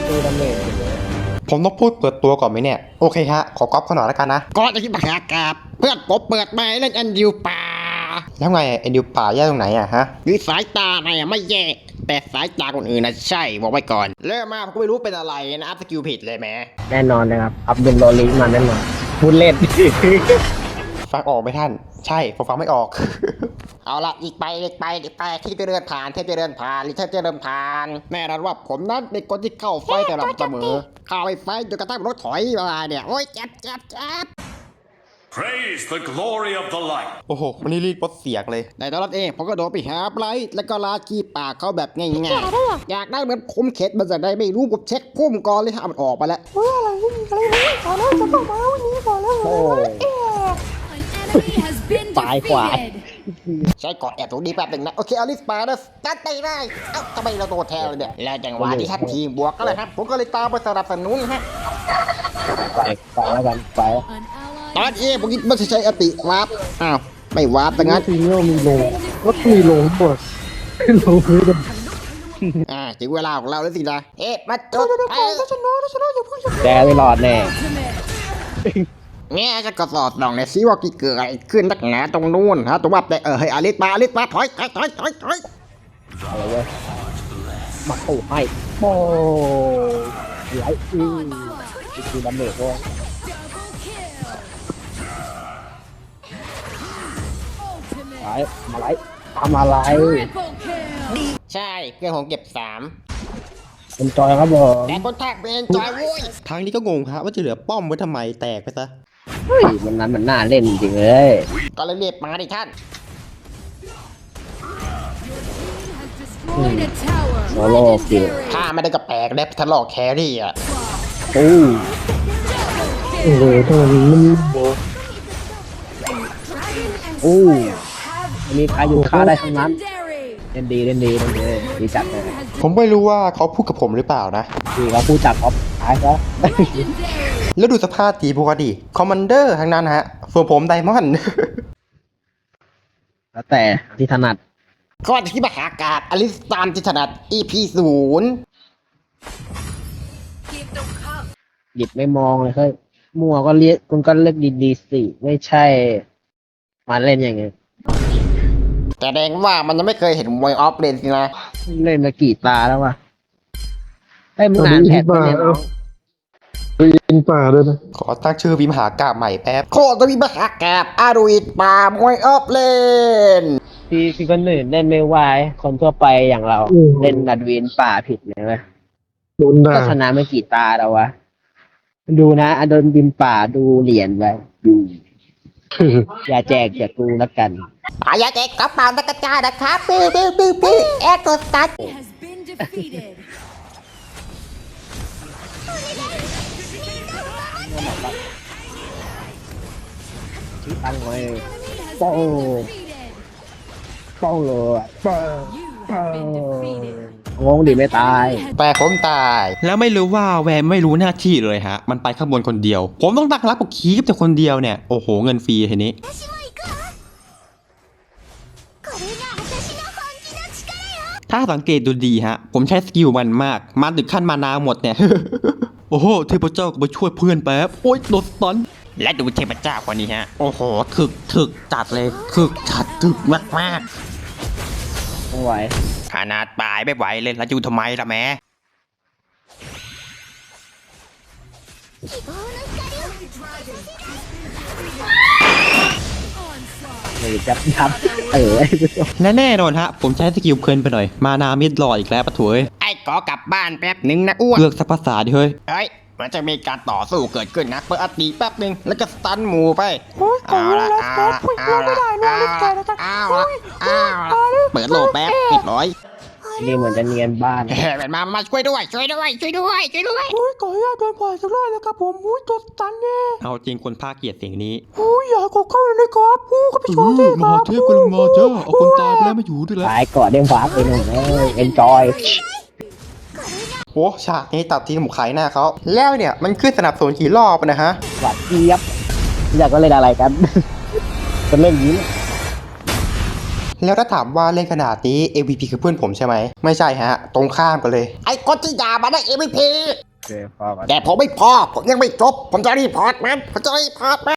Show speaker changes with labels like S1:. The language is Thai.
S1: ตีดาเมจ
S2: ผมต้องพูดเปิดตัวก่อนไหมเนี่ยโอเคฮะขอก๊อปขอหน่อยแล้วกันนะ
S3: ก็จะคิดมหากาบเพื่อนผมเปิดมาเล่นอันดิวป่า
S2: แล้วไงไอ้ดิวป่าแย่ตรงไหนอะฮะ
S3: คือสายตาไหนไม่แย่แต่สายตาคนอื่นนะใช่บอกไว้ก่อนเริ่มมาผมก็ไม่รู้เป็นอะไรนะอัพสกิลผิดเลยแม่
S1: แน่นอนนะครับอัพเดนโรลิงมาแน่นอนพูดเล่น
S2: ฟังออกไหมท่านใช่ผมฟังไม่ออก
S3: เอาละอีกไปที่จะเดินผ่านหรือถ้าจะเดินผ่านแน่นอนว่าผมนั้นเป็นคนที่เข้าไฟแต่ละเสมอเข้าไปไฟจนกระทั่งรถถอยมาเนี่ยโอ้ยเจ็บ
S4: Praise the glory of the light
S2: โอ้โหวันนี้รีดปดเสียงเลย
S3: ในตอนนั้นเองผมก็โดนไปหาไบรท์แล้วก็ลากีปากเขาแบบง่ายๆอยากได้เหมือนผมเข็ดมันจะได้ไม่รู้ผมเช็คพุ่มก่อนเลยถ้ามันออกมาแล้ว
S1: โอ้ตายกว่า
S3: ใช้เกาะแอบตรงนี้แป๊บหนึ่งนะโอเคเอาลิสปาร์ตัดไปได้เอ้าทำไมเราโดนแทนเลยเนี่ยแล้วจังหวะที่ท่านทีมบวกก็เลยครับผมก็เลยตามไปสนับสนุนฮะ
S1: ไปแล้วกันไป
S3: ตอนเอผมคิดไม่ใช่อติวาร์ปอ้าวไม่วาร์ปแต่งั้น
S1: ทีนี้มีโลก็มีโลหมดโลพื้น
S3: ถึงเวลาของเราแล้วสินะมาจุด
S1: แกไม่รอดแน่
S3: เนี่ยจะกระสอบลองในซิว่าเกิดอะไรขึ้นนักหนาตรงนู้นฮะตรงว่าแต่เฮ้ยอลิสมาถอย
S1: อะไรเว้ยมาโอ้ให้โอ้ไหลคือดาเมจด้วยไหลมาไหลทำอะไร
S3: ใช่เพื่อนผมเก็บ3
S1: เป็นจอยครับผม
S3: แต่คนแทกเป็นจอยวุ้ย
S2: ทางนี้ก็งงครับว่าจะเหลือป้อมไว้ทำไมแตกไปซะ
S1: เฮ้ยมันนั้นมันน่าเล่นจริงเลย
S3: ก็เลยเรียกมาดิท่าน
S1: โซโล่คิว
S3: ถ้าไม่ได้กระแปลกได้ทะเลาะแครี่อ่ะ
S1: โอ้โหทำไมมันโบโอ้มีใครอยู่ฆ่าได้ทั้งนั้นเล่นดีดีจัดเลย
S2: ผมไม่รู้ว่าเขาพูดกับผมหรือเปล่านะ
S1: ดีเขาพูดจัดครับตายซะ
S2: แล้วดูสภาพทีพวกดิคอมมานเดอร์ทั้งนั้นฮะส่วนผมไดมอนด์
S1: แล้วแต่ที่ถนัด
S3: ก็ที่มหากาบอลิสตานที่ถนัด EP 0
S1: หยิบไม่มองเลยเฮ้ยมั่วก็เรียกคุณก็เลือกดีๆสิไม่ใช่มาเล่นอย่างเงี้ย
S3: แต่แดงว่ามันยังไม่เคยเห็นมวยออฟเลนสินะ
S1: เล่นมากี่ตาแล้ววะให้มึงอ่านแพทไปเนี่ย
S5: ยินป่าด้วยนะ
S2: ขอตั้งชื่อวิมหากาบใหม่แป๊บ
S3: โคตรวิมหากาบอารุยป่ามวยออฟเลน
S1: พี่คนอื่นเล่นไม่ไหวคนทั่วไปอย่างเราเล่นดัดวินป่าผิดเลยเว้ยก็ชนะไม่กี่ตาแล้ววะดูนะอดนบินป่าดูเหรียญไว้อย่าแจกจากกูแล้วกัน
S3: อย่าแจกกระเป๋าตะกระจายนะครับปี้แอคโกสตัส
S1: ชี้ตั้งไว้โป้เลยงงดิไม่ตาย
S2: แต่ผมตายแล้วไม่รู้ว่าแวร์ไม่รู้หน้าที่เลยฮะมันไปข้างบนคนเดียวผมต้องตั้งรับกับคีฟแต่คนเดียวเนี่ยโอ้โหเงินฟรีทีนี้ถ้าสังเกตดูดีฮะผมใช้สกิลมันมากมาถึงขั้นมานาหมดเนี่ย โอ้โหเทพเจ้าก็มาช่วยเพื่อนแป๊บโอ๊ยโดนสตัน
S3: และดูเทพเจ้าคนนี้ฮะโอ้โห
S2: ถึกจัดเลยถึกมาก
S1: ไม่ไหว
S3: ขนาดตายไม่ไหวเลยแล้วอยู่ทำไมล่ะแม่
S1: จับ
S2: และแน่นอนฮะผมใช้สกิลเพลินไปหน่อยมานามิดรออีกแล้วปะถวย
S3: ไอ้ก็กลับบ้านแป๊บนึงนะอ้วน
S2: เลือกสักภาษาดิเฮ้ย
S3: มันจะมีการต่อสู้เกิดขึ้นนะเปิดอติแป๊บนึงแล้วก็สตันหมูไปเอาละเปิดโลแป๊บปิดร้อย
S1: นี่เหมือนจะเนียนบ้าน
S3: มาช่วยด้วยโอ้ยขออนุญาตเดินผ่าน
S5: สักรอบแล้วครับผมตัวตันเนี่ย
S2: เอาจริงคนภาคเกลียดเสียงนี้
S5: อยากเข้าเลยครับก็ไปช่วยที่ครับ
S2: มหาเทพกำลังมาจ้าเอาคนตายไปแล้วมาอยู่ด้วยแล้ว
S1: ตายก่อนเด้งฟ้าไปหนึ่งเอ็นจอย
S2: โอ้ฉากนี้ตัดทีผมขายหน้าเขาแล้วเนี่ยมันขึ้นสนับสนุนกี่รอบนะฮะ
S1: หวัดเจี๊ยบอยากก็เล่นอะไรกันจะเล่นยิ้ม
S2: แล้วถ้าถามว่าเล่นขนาดนี้ MVP คือเพื่อนผมใช่ไหมไม่ใช่ฮะตรงข้ามกันเลย
S3: ไอ้คนที่ด่ามาได้ MVP
S1: โอเคพอกัน
S3: แต่ผมไม่พอ ผมยังไม่จบ ผมจะรีพอร์ตมัน